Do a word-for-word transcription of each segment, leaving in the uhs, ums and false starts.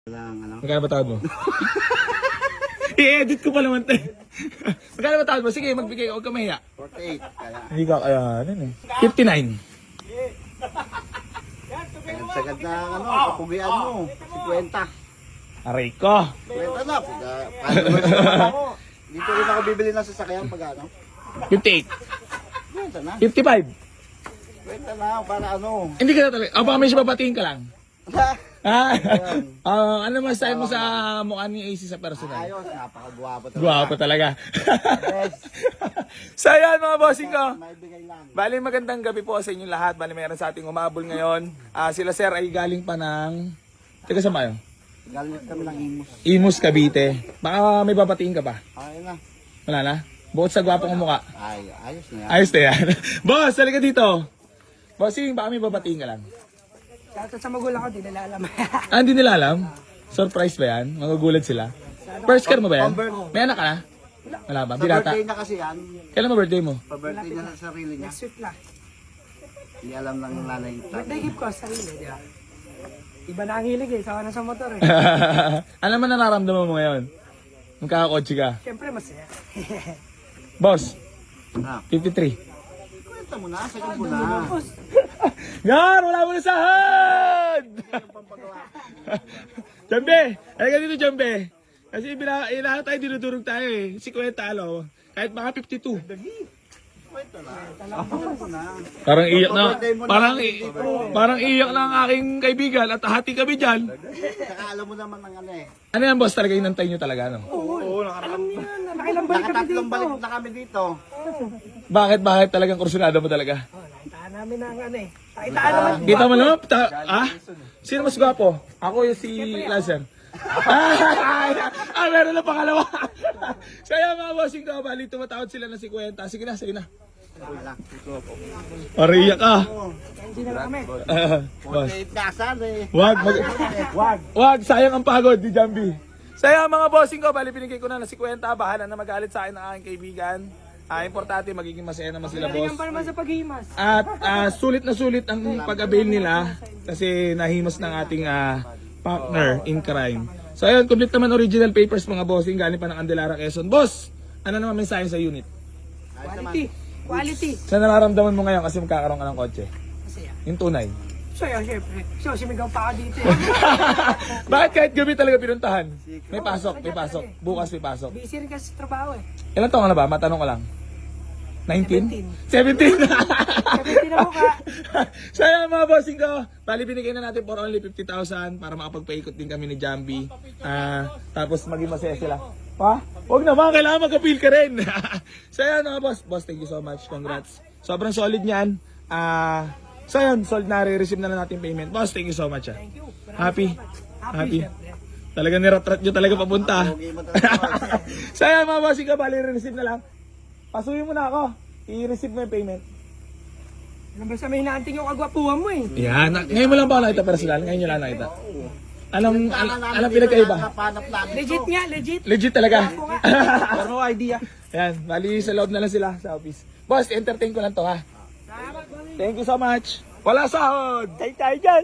Lang, ano? Magkano ba tawad mo? I-edit ko pa naman tayo. Magkano ba tawad mo? Sige, magbigay ka. Huwag ka mahiya. forty-eight. Kaya, Hindi ka kaya, ano eh. fifty-nine. ang sagad na, ano, kapugian mo. fifty. Aray ko. fifty na. Pagka, followers naman ako. Dito rin ako bibili ng sasakyan pag ano. fifty-eight. fifty na. fifty-five. fifty na, para ano. Hindi ka na talaga. O baka may siya babatiin ka lang. Ah, ah, ano masasabi mo sa mukha ni A C sa personal? Ayos, napakagwapo talaga. Guwapo talaga. Yes. So yan mga bossing ko. May bigay lang. Bali magandang gabi po sa inyong lahat. Bali mayroon sa ating umabol ngayon. Ah, sila sir ay galing pa ng... Teka saan kayo? Galing kami ng Imus. Imus, Cavite. Baka may babatiin ka pa? Ayun na. Wala na? Bukod sa gwapong mukha. Ay, ayos na yan. Ayos na yan. Boss, halika dito. Bossing, baka may babatiin ka lang. Shoutout sa magulang ko, di nila alam. Ah, hindi nila alam? Surprise ba yan? Magugulat sila? First car mo ba yan? May anak ka na? Wala ba? Sa Binata? birthday na kasi yan. Kailan mo birthday mo? Pa-birthday niya sa sarili niya. Next week na. Hindi alam ng nanay. Birthday gift ko, sarili, di ba? Iba na ang hilig eh, sawa na sa motor eh. Ano man nararamdaman mo ngayon? Magkakakotse ka. Siyempre masaya. Boss, Ah, fifty-three. kwenta mo na, sagad mo na. Gar, wala mo na sahod! Jambe! Halika dito, Jambe. Kasi bila, eh, lahat tayo dinudurog tayo eh. Si Kuya Talo. Kahit mga fifty-two. Kwenta na. Sagad mo na. Parang iyak na. Parang, i- parang iyak na ang aking kaibigan at hati kami dyan. Saka alam mo naman ng ano eh. Ano yan, boss? Talaga inantay nyo talaga, no? Alam niyo yun, nakailang balik kami Nakatatlong dito. balik na kami dito. Bakit, bakit talagang kursunado mo talaga? Oh, nakitaan namin ang ano eh. Nakitaan naman. Kita mo naman, ta- ah? Sino mas gwapo? Ako yung si Lazer. ah, ah, meron na pangalawa. So yan mga bossing ko, bali tumatawad sila na si Kwenta. Sige na, sige na. Wala. Pariyak ka. Hindi na kami. Ah, boss. forty-eight na asal eh. Wag, mag wag, wag, sayang ang pagod ni Jambi. So yan mga bossing ko, bali binigay ko na na si Kwenta. Bahala na magalit sa akin ng aking kaibigan. Ah, importante magiging masaya naman sila, boss. Nalingan pa naman sa paghimas. At ah, sulit na sulit ang pag-avail nila kasi nahimas ng ating ah, partner in crime. So ayun, complete naman original papers mga bossing, galing pa ng Andelara, Quezon. Boss, ano naman mensahe sa unit? Quality. Quality. Sa nararamdaman mo ngayon kasi magkakaroon ka ng kotse? Masaya. Yung tunay. So yun, syempre. So, simigaw pa ako dito eh. Bakit kahit gabi talaga pinuntahan? May pasok, may pasok. Bukas may pasok. Busy rin kasi sa trabaho eh. Ilan taon ka na ba? Matanong ko lang. nineteen? seventeen? Seventeen na mukha. So yan mga bossing ko, bali binigay na natin for only fifty thousand para makapagpaikot din kami ni Jambi. Ah, tapos maging masaya sila. Pa? Huwag naman, kailangan mag-appeal ka rin. So yan mga boss. Boss, thank you so much. Congrats. Sobrang solid niyan. Ah, so yan, sold na, re-receive na na natin payment. Boss, thank you so much. Ah. Thank you. Happy? Happy? syempre. Talaga niratrat nyo talaga papunta. Okay mo talaga. So yan mga bossing ko, bali re-receive na lang. Pasuyin mo na ako. I-receive mo yung payment. Alam ba sa may hinaanting yung kagwapuhan mo eh. Yan. Ngayon mo lang ba ako nakita personal? Ngayon nyo lang nakita. Alam, alam, alam dito pinagkaiba. na napanap namin Legit to. nga, legit. Legit talaga. No idea. Yan. Bali sa loob na lang sila sa office. Boss, entertain ko lang to ha. Salamat, Bobby. Thank you so much. Wala sahod. Tayo tayo dyan.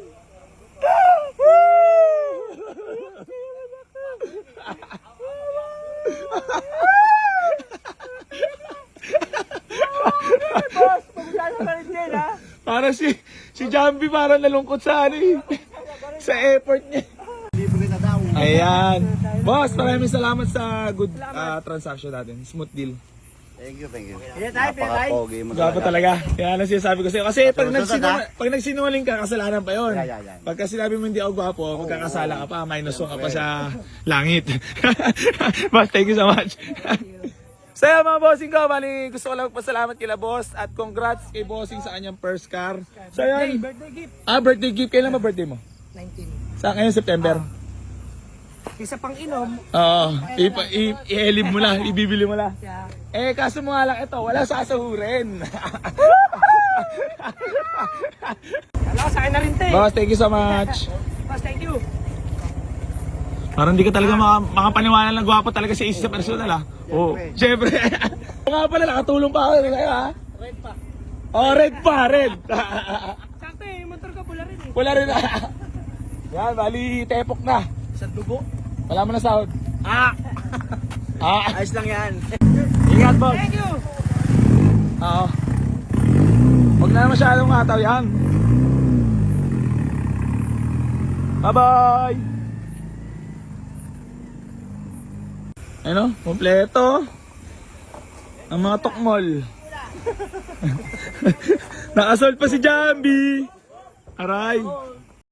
Boss, pag-usala ka rin din ha. Para si si Jambi parang nalungkot sa ano eh. Sa effort niya. Libre na daw. Ayan. Boss, maraming salamat sa good ah, transaction natin. Smooth deal. Thank you, thank you. Pila tayo, pila tayo. Napaka-pogi mo Gwapo talaga. talaga. Yan ang sinasabi ko sa'yo. Kasi pag, Susunod, nagsinungaling, ha? pag nagsinungaling ka, kasalanan pa yun. Yeah, yeah, yeah. Pagka sinabi mo hindi ako gwapo, magkakasala ka pa. Minus one ka pa sa langit. Boss, thank you so much. So yan mga bossing ko, bali gusto ko lang pasalamat kila boss at congrats kay bossing sa kanyang first car. So Hey, yan, birthday gift. ah birthday gift, kailan ba birthday mo? nineteen. Sa ngayon September? Isa pang inom. Oo, ipa- i- i-elib mo lang, ibibili mo lang. Kaya, Eh kaso mo nga lang ito, wala sasahurin. alam ko sa akin na rin te. Boss, thank you so much. Boss, thank you. Parang hindi ka talaga maka, makapaniwala na gwapo talaga si Ace sa personal ah. Oo, syempre. Oo nga pala, nakatulong pa ako kayo ha. Red pa. Oh, red pa, red. Sakto eh, yung motor ko pula rin eh. Wala rin ah. Yan, bali, tepok na. Sa dugo. Wala mo na sahod. Ah! Ah, Ayos lang yan. ingat boss. Thank you! Oo. Huwag na masyadong ataw yan. Bye-bye! Ano? Kompleto. Ang mga tukmol. Nakasold pa si Jambi. Aray.